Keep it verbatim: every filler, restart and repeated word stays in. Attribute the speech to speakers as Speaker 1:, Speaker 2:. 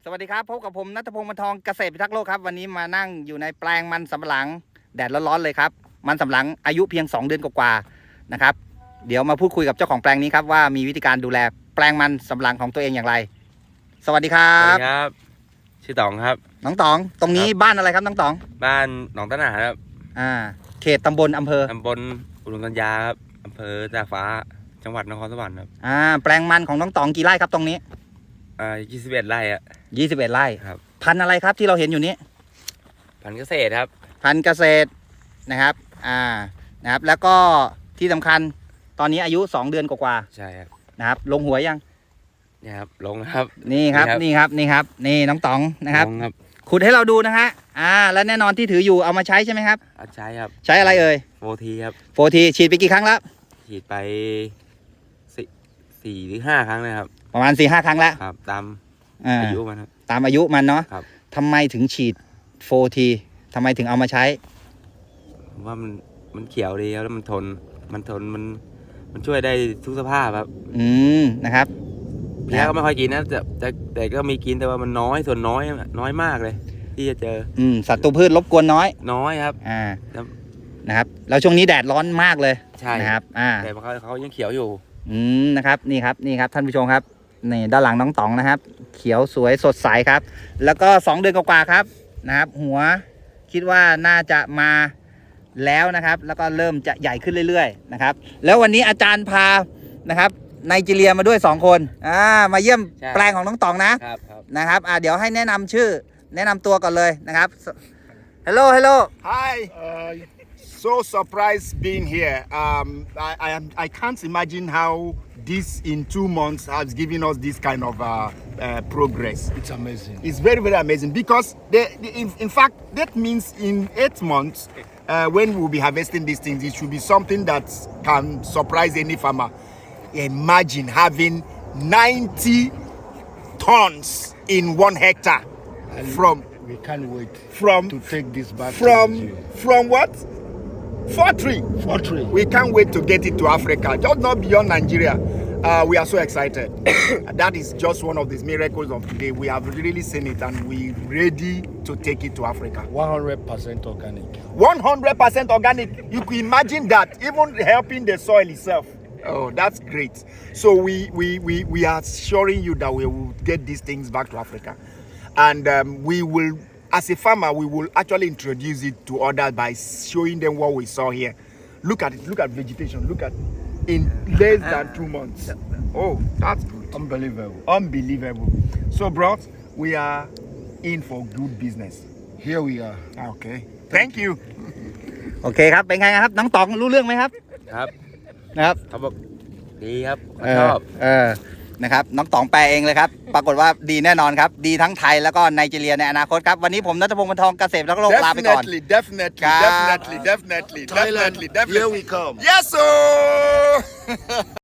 Speaker 1: สวัสดีครับพบกับผมณัฐพงศ์ บรรทองเกษตรพิทักษ์โลกครับวันนี้มานั่งอยู่ในแปลงมันสำปะหลังแดดร้อนๆเลยครับมันสำปะหลังอายุเพียงสองเดือนกว่าๆนะครับเดี๋ยวมาพูดคุยกับเจ้าของแปลงนี้ครับว่ามีวิธีการดูแลแปลงมันสำปะหลังของตัวเองอย่างไรสวัสดีครั
Speaker 2: สวั
Speaker 1: บ
Speaker 2: สดีครับชื่อต๋องครับ
Speaker 1: น้องต๋องตรงนี้บ้านอะไรครับน้องต๋อง
Speaker 2: บ้านหนองตะหนาครับ
Speaker 1: อ่าเขตตำบลอำเภอ
Speaker 2: ตำบลอุดมกัญญาครับอำเภอตากฟ้าจังหวัดนครสวรรค์ครับ
Speaker 1: อ่าแปลงมันของน้องต๋องกี่ไร่ครับตรงนี้
Speaker 2: อ่ายี่สิบเอ็ดไร่อะ
Speaker 1: ยี่สิบเอ็ดไร่
Speaker 2: ครับ
Speaker 1: พันธุ์อะไรครับที่เราเห็นอยู่นี้
Speaker 2: พันธุ์เกษตรครับ
Speaker 1: พันธุ์เกษตรนะครับอ่านะครับแล้วก็ที่สำคัญตอนนี้อายุสองเดือนกว่า
Speaker 2: ใช่ครับ
Speaker 1: ๆนะครับลงหัวยัง
Speaker 2: เนี่ยครับลงนะครับ
Speaker 1: นี่ครับ
Speaker 2: นี่
Speaker 1: นี่
Speaker 2: ค
Speaker 1: ค
Speaker 2: รั
Speaker 1: รับ บนี่ครับนี่น้องต๋องนะครับ
Speaker 2: ลงครับ
Speaker 1: ขุดให้เราดูนะฮะอ่าและแน่นอนที่ถืออยู่เอามาใช้ใช่ไหมครับ
Speaker 2: อาใช้ครับ
Speaker 1: ใช้อะไรเอ่ย
Speaker 2: โฟทีครับ
Speaker 1: โฟทีฉีดไปกี่ครั้งแล้ว
Speaker 2: ฉีดไปสี่สี่หรือห้าครั้งเลยครับ
Speaker 1: ประมาณสี่ห้าครั้งแล้ว
Speaker 2: ครับ ตาม
Speaker 1: อ่า
Speaker 2: อายุมันครับ
Speaker 1: ตามอายุมันเนาะ
Speaker 2: ครับ
Speaker 1: ทำไมถึงฉีดโฟทีทำไมถึงเอามาใช้
Speaker 2: ผมว่ามันมันเขียวดีครับแล้วมันทนมันทนมันมันช่วยได้ทุกสภาพครับ
Speaker 1: อืมนะครับ
Speaker 2: เพี้ยก็ไม่ค่อยกินนะแต่แต่แต่ก็มีกินแต่ว่ามันน้อยส่วนน้อยน้อยมากเลย ที่จะเจอ
Speaker 1: อืมศัตรูพืชรบกวนน้อย
Speaker 2: น้อยครับ
Speaker 1: อ่า
Speaker 2: แล้ว
Speaker 1: นะครับแล้วช่วงนี้แดดร้อนมากเลย
Speaker 2: ใช่
Speaker 1: นะครับอ่า
Speaker 2: แต่เขาเขายังเขียวอยู่
Speaker 1: อืมนะครับนี่ครับนี่ครับท่านผู้ชมครับนี่ด้านหลังน้องต๋องนะครับ เขียวสวยสดใสครับ แล้วก็สองเดือนกว่าๆครับนะครับ หัวคิดว่าน่าจะมาแล้วนะครับ แล้วก็เริ่มจะใหญ่ขึ้นเรื่อยๆนะครับ แล้ววันนี้อาจารย์พานะครับไนจีเรียมาด้วยสองคนอ่ามาเยี่ยม
Speaker 2: ใช่
Speaker 1: แปลงของน้องต๋องนะครับ
Speaker 2: ครับ
Speaker 1: นะครับอ่าเดี๋ยวให้แนะนำชื่อแนะนำตัวก่อนเลยนะครับ Hello Hello
Speaker 3: Hi. Uh, so surprised being here. Um, I, I am. I can't imagine how this in two months has given us this kind of uh, uh, progress.
Speaker 4: It's amazing.
Speaker 3: It's very very amazing because they, they- in, in fact that means in eight months uh, when we'll be harvesting these things, it should be something that can surprise any farmer. Imagine having ninety tons in one hectare
Speaker 4: And
Speaker 3: from
Speaker 4: we can't wait
Speaker 3: from
Speaker 4: to take this back to
Speaker 3: from
Speaker 4: Nigeria.
Speaker 3: from what? Fortry.
Speaker 4: Fortry.
Speaker 3: We can't wait to get it to Africa, just not beyond Nigeria. Uh, we are so excited. That is just one of these miracles of today. We have really seen it and we're ready to take it to Africa.
Speaker 4: one hundred percent organic.
Speaker 3: one hundred percent organic. You can imagine that, even helping the soil itself. Oh, that's great. So we, we, we, we are assuring you that we will get these things back to Africa. And um, we will, as a farmer, we will actually introduce it to others by showing them what we saw here. Look at it. Look at vegetation. Look at in less than two months. Oh, that's good.
Speaker 4: Unbelievable.
Speaker 3: Unbelievable. So, bros, we are in for good business.
Speaker 4: Here we are.
Speaker 3: Okay. Thank you.
Speaker 1: โอเคครับเป็นไงครับน้องต๋องรู้เรื่องไหมครับ
Speaker 2: ครับ
Speaker 1: นะครับ
Speaker 2: เขาบอกดีครับ
Speaker 1: เอ
Speaker 2: ช
Speaker 1: อ
Speaker 2: อบ
Speaker 1: เออนะครับน้องต๋องแปลเองเลยครับ ปรากฏว่าดีแน่นอนครับ ดีทั้งไทยแล้วก็ไนจีเรียในอนาคตครับ วันนี้ผมณัฐพงศ์ บรรทองเกษตรพิทักษ์โลกลาไปก่อน
Speaker 3: Definitely, definitely,
Speaker 1: God.
Speaker 3: definitely, definitely,
Speaker 4: Thailand,
Speaker 3: definitely, definitely.
Speaker 4: here we come.
Speaker 3: Yes, sir.